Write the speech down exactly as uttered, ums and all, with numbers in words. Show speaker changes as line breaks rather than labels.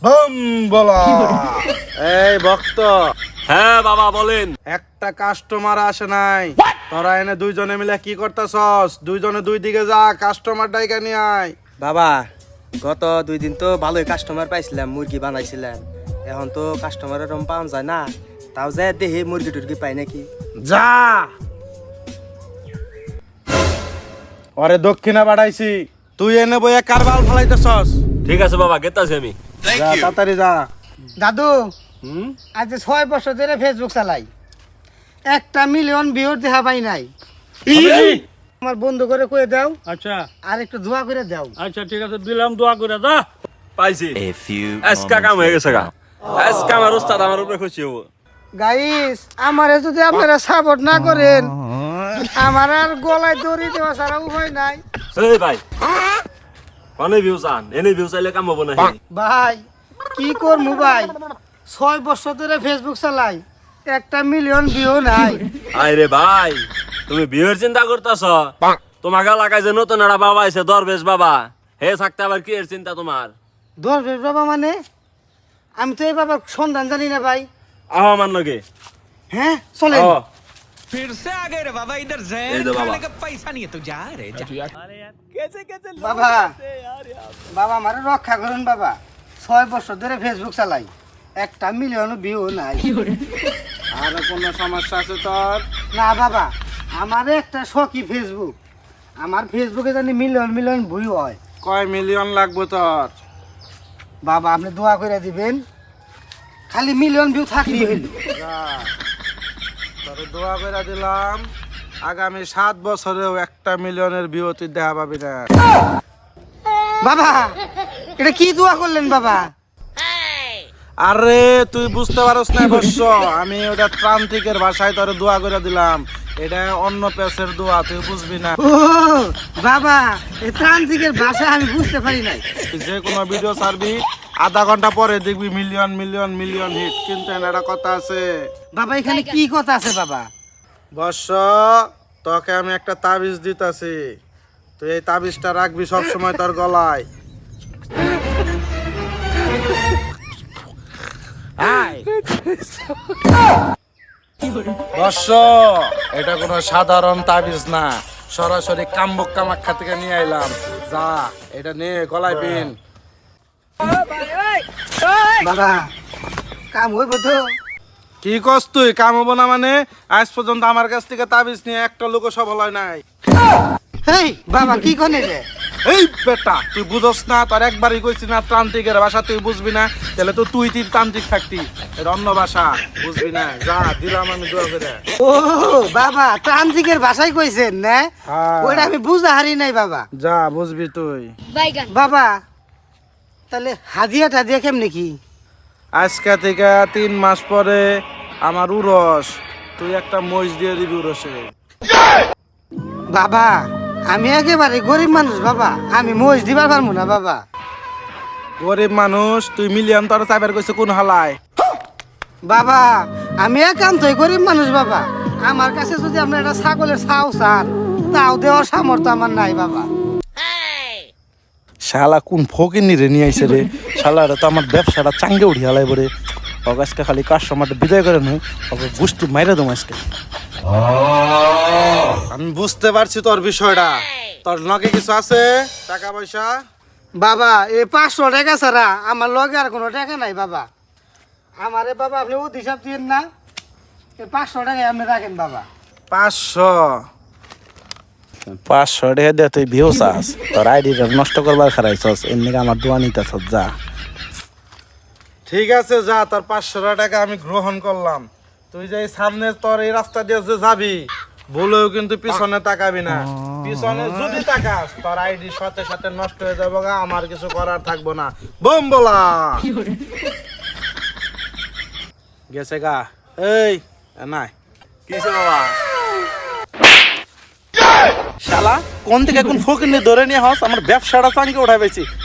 Bomb বলা। এই ভক্ত,
হ্যাঁ বাবা বলেন।
একটা কাস্টমার আসে নাই, তোরা এনে দুইজনে মিলে কি করতেছস? দুইজনে দুই দিকে যা, কাস্টমার ডাইকা নিয়ে আয়।
বাবা গত দুই দিন তো ভালোই কাস্টমার পাইছিলাম, মুরগি বানাইছিলাম। এখন তো কাস্টমার এরকম পাওয়া যায় না, তাও যায় দেখি মুরগি টুরগি পাই নাকি।
যা, ওরে দক্ষিণা বাড়াইছি, তুই এনে বইয়া কারবাল ফলাইতেছস।
ঠিক আছে বাবা, গেতাছি আমি।
যা তাড়াতাড়ি যা।
দাদু
হুম
আজ ছয় বছর ধরে ফেসবুক চালাই, একটা মিলিয়ন ভিউর দেখা পাই নাই। আমার বন্ধু করে কয়ে দাও,
আচ্ছা
আর একটু দোয়া করে দাও।
আচ্ছা ঠিক আছে, দিলাম, দোয়া করে দা।
পাইছি। আজকা কাম হয়ে গেছে গা। আজকা আমার উস্তাদ আমার উপরে খুশি হবো।
গাইস, আমারে যদি আপনারা সাপোর্ট না করেন, আমার আর গলায় দড়ি দেওয়া ছাড়া উপায় নাই।
এই ভাই, কোনে ভিউ চান? এনে ভিউ চাইলে কাম হবো না।
ভাই কি করবো ভাই, ছয় বছর ধরে ফেসবুক চালাই, একটা মিলিয়ন ভিউ নাই।
আরে ভাই, তুমি বিয়ের চিন্তা করতেছ? তোমাকে এলাকায় যে নতুন একটা বাবা আছে, দরবেশ বাবা, হে থাকতে আবার কি এর চিন্তা তোমার?
দশ বেশ বাবা মানে, আমি তো এই বাবার সন্ধান জানি না ভাই।
আহ আমার নগে।
হ্যাঁ চলেন।
আহ,
फिर से आ गए रे बाबा, इधर
ये
जहर
दो बाबा।
खाने का पैसा नहीं है, तू जा रे जा।
বাবা বাবা আমার রক্ষা করুন বাবা, ছয় বছর ধরে ফেসবুক চালাই, একটা মিলিয়ন ভিউ নাই।
আর কোনো সমস্যা আছে তোর?
না বাবা, আমার একটা শখই ফেসবুক, আমার ফেসবুকে জানি মিলিয়ন মিলিয়ন ভিউ হয়।
কয় মিলিয়ন লাগবে তোর?
বাবা আপনি দোয়া করে দিবেন, খালি মিলিয়ন ভিউ থাকলেই হইল।
যা, তোর দোয়া করে দিলাম, আগামী সাত বছরেও একটা মিলিয়নের ভিউ তুই দেখা পাবি না।
বাবা এটা কি দোয়া করলেন বাবা?
আরে তুই বুঝতে পারস না বর্ষ, আমি ওটা ত্রান্তিকের ভাষায় তোর দোয়া করে দিলাম, এটা অন্য পেসের দোয়া, তুই বুঝবি না।
ও বাবা, এই ত্রান্তিকের ভাষা আমি বুঝতে পারি নাই।
তুই যে কোনো ভিডিও ছাড়বি, আধা ঘন্টা পরে দেখবি মিলিয়ন মিলিয়ন মিলিয়ন হিট। কিন্তু একটা কথা আছে
বাবা, এখানে কি কথা আছে বাবা?
বর্ষ, তোকে আমি একটা তাবিজ দিতাছি, তুই এই তাবিজটা রাখবি সবসময় তোর গলায়। বর্ষ, এটা কোনো সাধারণ তাবিজ না, সরাসরি কাম্বক কামাখ্যা থেকে নিয়ে আইলাম। যা, এটা নিয়ে গলায় পিন।
বাবা কাম হইব তো?
কি কস তুই? কাম হবো না মানে? আজ পর্যন্ত আমার কাছ থেকে তাবিজ নিয়ে একটা লোক সফল হয় নাই।
হেই বাবা কি কনে রে?
এই বেটা, তুই বুঝস না? তোর একবারই কইছি না তান্ত্রিকের ভাষা তুই বুঝবি না, তাহলে তো তুই তুই তান্ত্রিক থাকতি, এটা অন্য ভাষা, বুঝবি না। যা, দিলাম আমি দোয়া করে।
ও বাবা, ত্রান্তিকের ভাষায় কইছেন না?
হ্যাঁ।
ওইটা আমি বুঝা হারি নাই বাবা।
যা, বুঝবি তুই।
বাবা তাহলে হাদিয়া টাদিয়া কেমনে কি?
আজকে থেকে তিন মাস পরে আমার উরস, তুই একটা মহিষ দিয়ে দিবি উরসে।
বাবা আমি একেবারে গরিব মানুষ বাবা, আমি মহিষ দিবার পারবো না বাবা।
গরিব মানুষ তুই, মিলিয়ন তোর চাইবার কইছে কোন হালায়?
বাবা আমি একান্তই গরিব মানুষ বাবা, আমার কাছে যদি আপনার একটা ছাগলের ছাও চান, তাও দেওয়ার সামর্থ্য আমার নাই বাবা।
শালা কোন ফকিনি রে নিয়ে আইছে রে, শালা তো আমার ব্যবসাটা চাঙ্গে উঠি হালাই বরে। আজকে খালি কাস্টমারটা বিদায় করে নয়, ওকে গোষ্ঠী মাইরে দম আজকে। আমি বুঝতে পারছি তোর বিষয়টা, তোর লগে কিছু আছে টাকা পয়সা?
বাবা এই পাঁচশো টাকা ছাড়া আমার লগে আর কোনো টাকা নাই বাবা। আমারে বাবা আপনি ও হিসাব দিন না, এই পাঁচশো টাকায় আপনি রাখেন বাবা।
পাঁচশো পাঁচশো টাকা দিয়ে তুই ভিউ চাস, তোর আইডিটা নষ্ট করবার খারাইছস, এমনি আমার দোয়া নিতেছ। যা, ঠিক আছে যা, তোর পাঁচশো টাকা আমি গ্রহণ করলাম। তুই যে সামনে তোর এই রাস্তা দিয়ে যে যাবি, বলেও কিন্তু পিছনে তাকাবি না। পিছনে যদি তাকাস, তোর আইডি সাথে সাথে নষ্ট হয়ে যাবো গা, আমার কিছু করার থাকবো না। বোম বলা গেছে গা। এই নাই
কিসে বাবা?
শালা কোন থেকে কোন ফকির নিয়ে ধরে নিয়ে হস, আমার ব্যবসাটা চাঙ্গে উঠাই পেয়েছি।